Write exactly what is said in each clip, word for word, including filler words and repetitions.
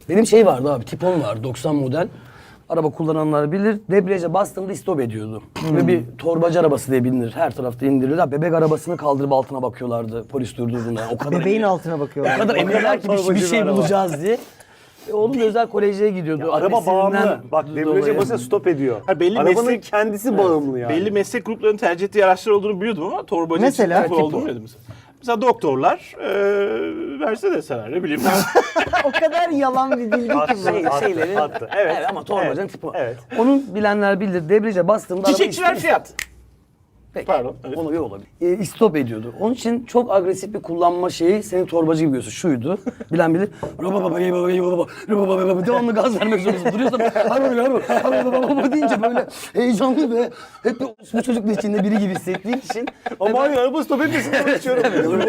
Benim şey vardı abi, Tipon vardı, doksan model. Araba kullananlar bilir. Debriyaja bastığımda istop ediyordu. Hmm. Ve bir torbacı arabası diye bilinir. Her tarafta indirilir. Bebek arabasını kaldırıp altına bakıyorlardı polis durduğunda. O kadar Bebeğin emin- altına bakıyorlar. O kadar eminler ki bir, bir torbacı şey bir araba. bulacağız diye. E, oğlum da özel koleje gidiyordu. Araba Annesinden bağımlı. Bak debriyaja dolayı. basınca stop ediyor. Ha, belli Arabanın meslek- kendisi bağımlı yani. Belli meslek gruplarının tercih ettiği araçlar olduğunu biliyordum ama torbacı Mesela? tipo olduğunu bilmiyordum mesela. Mesela doktorlar e, Mercedes'ler ne bileyim. O kadar yalan bir bilgi ki Attı, bu. Şey, attı, şeylerin, attı. Evet. evet ama torbacının Evet, tipi. evet. Onun bilenler bilir. Debriyaja bastığımda araba Çiçekçiler istop- fiyat. Peki. Pardon, evet. Onu bir olabilir. E, istop ediyordu. Onun için çok agresif bir kullanma şeyi seni torbacı gibi görüyorsun. Şuydu. Bilen bilir. Roba baba baba baba baba baba baba devamlı gaz vermek zorundasın. Duruyorsan baba baba baba deyince böyle heyecanlı ve hep bir bu çocukla içinde biri gibi hissettiğin için. Ama hayır araba stop etmesin konuşuyorum.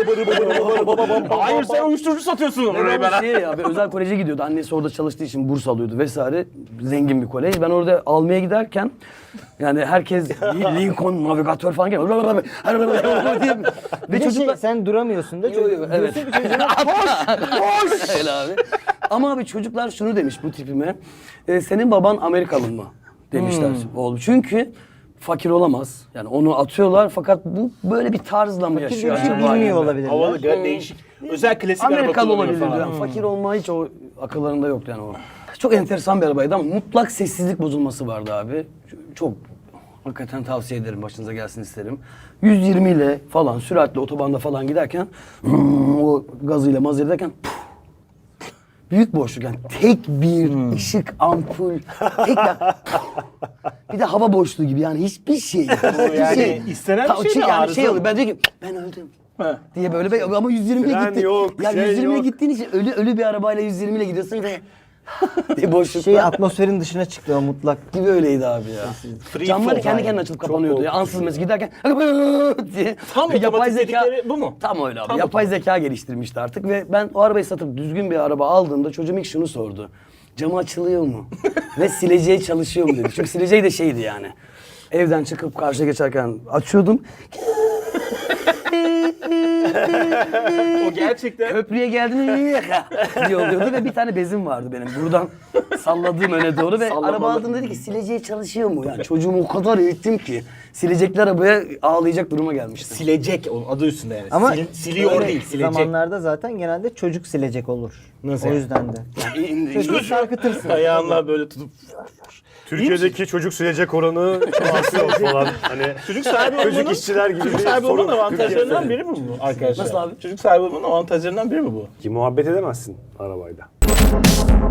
Hayır sen uyuşturucu satıyorsun orayı Ben ben. şey ya, bir özel koleje gidiyordu. Annesi orada çalıştığı için burs alıyordu vesaire. Zengin bir kolej. Ben orada almaya giderken yani herkes Lincoln navigatör falan geliyor. diye. Bir Ve de çocuklar... şey, sen duramıyorsun da. Yo, yo, Çocuk- evet. diyorsun ki çocuğuna koş. Koş! Öyle abi. Ama abi çocuklar şunu demiş bu tipime. E, senin baban Amerikalı mı? Demişler oğlum. Çünkü fakir olamaz. Yani onu atıyorlar fakat bu böyle bir tarzla mı yaşıyor Bir şey acaba? bilmiyor gibi. olabilirler. Havalı gar- değişik. Özel klasik araba Amerikalı kullanıyor olabilir falan. yani. Fakir olma hiç o akıllarında yoktu yani o. Çok enteresan bir arabaydı ama mutlak sessizlik bozulması vardı abi. Çok hakikaten tavsiye ederim, başınıza gelsin isterim. yüz yirmi ile falan süratle otobanda falan giderken o gazıyla maz ederken büyük boşluk yani tek bir ışık ampul tek ya, bir de hava boşluğu gibi yani hiçbir şey. Hiçbir yani istenen bir Ta- şey mi, yani arıza şey mı? oluyor ben diyor ki ben öldüm. He. Diye böyle be- ama yüz yirmi ile Fren gitti. yok, ya şey yüz yirmi ile yok. gittiğin için ölü ölü bir arabayla yüz yirmi ile gidiyorsun ve diye boşlukta Şey atmosferin dışına çıktı o mutlak. gibi öyleydi abi ya. Free Camları fall kendi yani. kendine açılıp kapanıyordu ya. Ansız mesela giderken diye. Tam yapay otomatik zeka dedikleri bu mu? Tam öyle abi. Tam yapay zeka geliştirmişti artık ve ben o arabayı satıp düzgün bir araba aldığımda çocuğum ilk şunu sordu. Camı açılıyor mu? Ve sileceği çalışıyor mu dedi. Çünkü sileceği de şeydi yani. Evden çıkıp karşıya geçerken açıyordum. O gerçekten Köprüye geldiğinde diye oluyordu ve bir tane bezim vardı benim. Buradan salladığım öne doğru ve araba aldım dedi ki sileceği çalışıyor mu? Yani çocuğumu o kadar eğittim ki silecekli arabaya ağlayacak duruma gelmiştim. silecek o adı üstünde yani. Ama Sil- siliyor öyle değil, silecek. zamanlarda zaten genelde çocuk silecek olur. Nasıl o yani? yüzden de. Çocuğu sarkıtırsın. Ayağınla böyle tutup Türkiye'deki çocuk silecek oranı çok artıyor falan. Hani çocuk sahibi çocuk olmanın, işçiler gibi çocuk bir sahibi olmanın sorun. avantajlarından Türkiye'de. biri mi bu arkadaşlar? Nasıl abi? Çocuk sahibi olmanın avantajlarından biri mi bu? Ki muhabbet edemezsin arabayla.